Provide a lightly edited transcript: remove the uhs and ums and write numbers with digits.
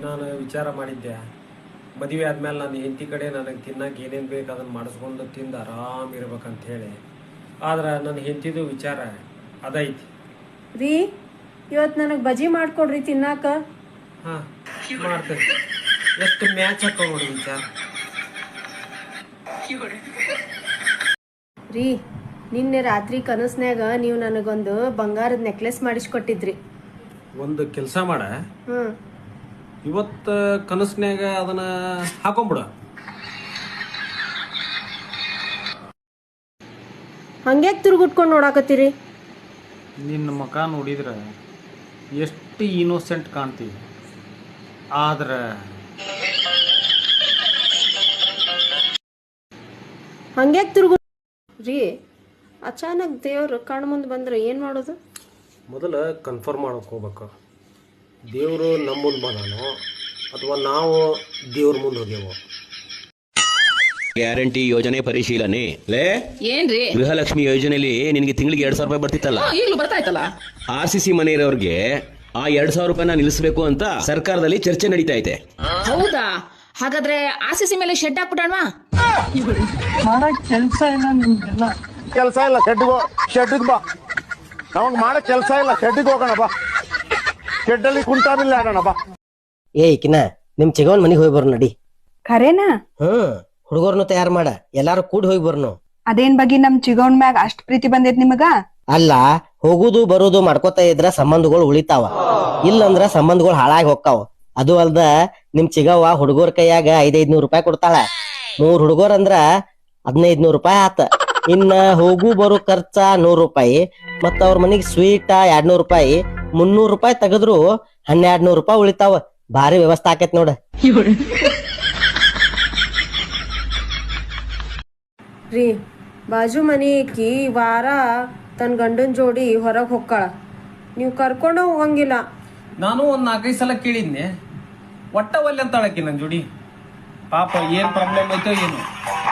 ನಾನು ವಿಚಾರ ಮಾಡಿದ್ದೆ, ಮದುವೆ ಆದ್ಮೇಲೆ ನನ್ನ ಹೆಂಡತಿ ಕಡೆ ನನಗೆ ತಿನ್ನಕ್ಕೆ ಏನೇನು ಬೇಕು ಅದನ್ನು ಮಾಡಿಸ್ಕೊಂಡು ತಿಂದು ಆರಾಮ್ ಇರ್ಬೇಕಂತ ಹೇಳಿ. ಆದ್ರೆ ನನ್ನ ಹೆಂಡತಿದು ವಿಚಾರ ಅದೈತಿ. ರೀ, ಇವತ್ತು ನನಗೆ ಬಜಿ ಮಾಡ್ಕೊಡ್ರಿ ತಿನ್ನಾಕ. ಹಾಂ, ಮಾಡ್ತೇನೆ. ಎಷ್ಟು ಮ್ಯಾಚ್ ಹಾಕೋ ನೋಡಿ ವಿಚಾರ. ರೀ, ನಿನ್ನೆ ರಾತ್ರಿ ಕನಸ್ನ್ಯಾಗ ನೀವು ನನಗೊಂದು ಬಂಗಾರದ ನೆಕ್ಲೆಸ್ ಮಾಡಿಸ್ಕೊಟ್ಟಿದ್ರಿ. ಒಂದು ಕೆಲಸ ಮಾಡ, ಹ್ಮ್, ಇವತ್ತು ಕನಸ್ನ್ಯಾಗ ಅದನ್ನ ಹಾಕೊಂಬಿಡ. ಹಂಗ್ಯಾಕ್ ತಿರುಗುಟ್ಕೊಂಡು ನೋಡಾಕತ್ತೀರಿ? ನಿನ್ನ ಮುಖ ನೋಡಿದ್ರೆ ಎಷ್ಟು ಇನ್ನೋಸೆಂಟ್ ಕಾಣ್ತೀವಿ, ಆದ್ರೆ ಹಂಗ್ಯಾಕ್ ತಿರುಗು ರೀ? ಅಚಾನಕ್ ದೇವ್ರು ಕಣ್ಣು ಮುಂದೆ ಬಂದ್ರೆ ಏನು ಮಾಡೋದು? ಮೊದಲು ಕನ್ಫರ್ಮ್ ಮಾಡೋಕೆ ಹೋಗ್ಬೇಕು, ದೇವರು ನಮ್ಮ ಮುಂದೆ ಬಂದಾನೋ ಅಥವಾ ನಾವು ದೇವ್ರ ಮುಂದೆ ಹೋಗ್ಯೇವೋ. ಗ್ಯಾರಂಟಿ ಯೋಜನೆ ಪರಿಶೀಲನೆ ಲೇ ಏನ್ರಿ? ಗೃಹಲಕ್ಷ್ಮಿ ಯೋಜನೆಯಲ್ಲಿ ನಿನಗೆ ತಿಂಗಳಿಗೆ 2,000 ರೂಪಾಯಿ ಬರ್ತಿತ್ತಲ್ಲ, ಈಗಲೂ ಬರ್ತಾಯ್ತಲ್ಲ. RCC ಮನೆ ಇರೋರ್ಗೆ ಆ 2,000 ರೂಪಾಯಿನ ನಿಲ್ಲಿಸಬೇಕು ಅಂತ ಸರ್ಕಾರದಲ್ಲಿ ಚರ್ಚೆ ನಡೀತಾ ಐತೆ. ಹೌದಾ? ಹಾಗಾದ್ರೆ RCC ಮೇಲೆ ಶೆಡ್ ಹಾಕ್ಬಿಡೋಣವಾ? ಕೆಲಸ ಇಲ್ಲ, ಶೆಡ್ಗೆ ಬಾ. ನಮಗ್ ಮಾಡಕ್ ಕೆಲಸ ಇಲ್ಲ, ಶೆಡ್ಗೆ ಹೋಗೋಣ ಬಾ. ಶೆಡ್ಡಲ್ಲಿ ಕುಂಟಾಬಿಲ್ಲ ಆಡೋಣ ಬಾ. ಏಕಿನ ನಿಮ್ ಚಿಗವನ್ ಮನಿಗ್ ಹೋಗಿ ಬರ್ ನಡಿ. ಖರೇನಾ? ಹುಡುಗರ್ನು ತಯಾರು ಮಾಡ, ಎಲ್ಲಾರು ಕೂಡಿ ಹೋಗಿ ಬರ್ನು. ಅದೇನ್ ಬಗ್ಗೆ ನಮ್ ಚಿಗವನ್ ಮ್ಯಾಗ ಅಷ್ಟ್ ಪ್ರೀತಿ ಬಂದೈತ್ ನಿಮಗ? ಅಲ್ಲ, ಹೋಗುದು ಬರುದು ಮಾಡ್ಕೋತಾ ಇದ್ರ ಸಂಬಂಧಗಳು ಉಳಿತಾವ, ಇಲ್ಲಂದ್ರ ಸಂಬಂಧಗಳು ಹಾಳಾಗಿ ಹೊಕ್ಕಾವ. ಅದು ಅಲ್ದ ನಿಮ್ ಚಿಗವ್ವ ಹುಡುಗರ ಕೈಯಾಗ 500-500 ರೂಪಾಯಿ ಕೊಡ್ತಾಳ. 3 ಹುಡುಗರ್ ಅಂದ್ರ 1,500 ರೂಪಾಯಿ ಆತ. ಇನ್ನ ಹೋಗು ಬರು ಖರ್ಚ 100 ರೂಪಾಯಿ, ಮತ್ತ ಅವ್ರ ಮನಿಗ್ ಸ್ವೀಟ್ 200 ರೂಪಾಯಿ, 300 ರೂಪಾಯಿ ತೆಗದ್ರು 1,200 ರೂಪಾಯಿ ಉಳಿತಾವ. ಭಾರಿ ವ್ಯವಸ್ಥೆ ಆಕೈತ್ ನೋಡ. ರೀ, ಬಾಜು ಮನಿಕಿ ವಾರ ತನ್ನ ಗಂಡನ ಜೋಡಿ ಹೊರಗೆ ಹೊಕ್ಕಾಳ, ನೀವು ಕರ್ಕೊಂಡು ಹೋಗಂಗಿಲ್ಲ. ನಾನು ಒಂದು 4-5 ಸಲ ಕೇಳಿದ್ನೆ, ಒಟ್ಟ ಒಲ್ಲೆ ಅಂತಾಳಕಿ ನನ್ನ ಜೋಡಿ. ಪಾಪ ಏನು ಪ್ರಾಬ್ಲಮ್ ಐತೋ ಏನು.